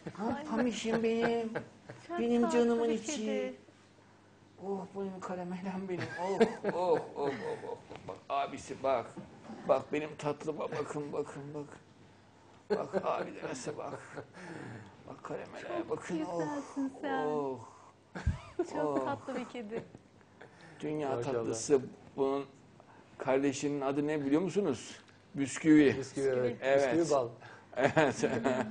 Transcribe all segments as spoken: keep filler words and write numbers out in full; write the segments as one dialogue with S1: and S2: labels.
S1: Ha, Pamişim benim.
S2: Çok
S1: Benim
S2: tatlı
S1: canımın
S2: bir
S1: içi.
S2: kedi.
S1: Oh benim karamelem benim. Oh oh oh oh oh. Bak abisi bak. Bak benim tatlıma bakın bakın bak. Bak abi de nasıl bak. Bak karamele bakın. Oh
S2: Güzelsin sen.
S1: oh.
S2: Çok
S1: Oh.
S2: tatlı bir kedi.
S1: Dünya
S3: Maşallah.
S1: tatlısı. Bunun kardeşinin adı ne biliyor musunuz? Bisküvi.
S3: Bisküvi, evet.
S1: Evet.
S3: Bisküvi bal.
S1: Evet.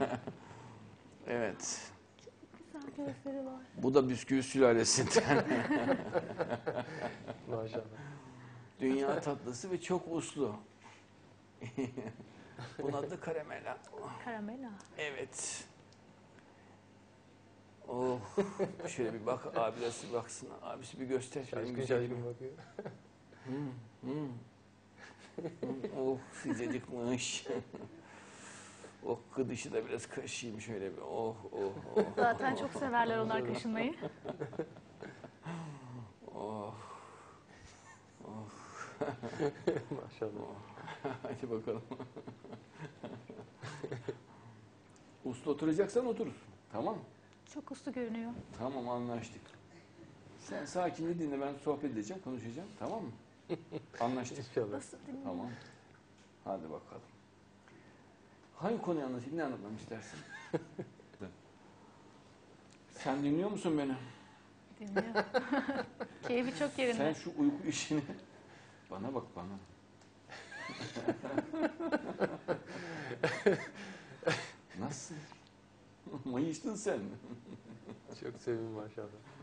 S1: Evet.
S2: Güzel gözleri var.
S1: Bu da bisküvi sülalesinden.
S3: Maşallah.
S1: Dünya tatlısı ve çok uslu. Bunun adı da karamela.
S2: Karamela.
S1: Evet. Oh. Şöyle bir bak abilesi baksın. Abisi bir göster. Benim
S3: Şaşkın
S1: güzelim.
S3: şaşkın bakıyor.
S1: Hmm, hmm. Hmm, oh sıcacıkmış. Oh gıdışı da biraz kaşıyım şöyle bir. Oh oh oh.
S2: Zaten çok severler onlar kaşınmayı.
S1: Oh. Oh.
S3: Maşallah.
S1: Hadi bakalım. Uslu oturacaksan otur. Tamam.
S2: Çok uslu görünüyor.
S1: Tamam anlaştık. Sen sakince dinle, ben sohbet edeceğim, konuşacağım. Tamam mı? Anlaştık.
S3: İnşallah.
S2: Nasıl dinliyor?
S1: Tamam. Hadi bakalım. Hangi konuyu anlatayım? Ne anlatmamı istersin? Sen dinliyor musun beni?
S2: Dinliyor. Keyfi çok yerinde.
S1: Sen şu uyku işini... Bana bak bana. Nasıl? Mayıştın sen.
S3: Çok sevim maşallah.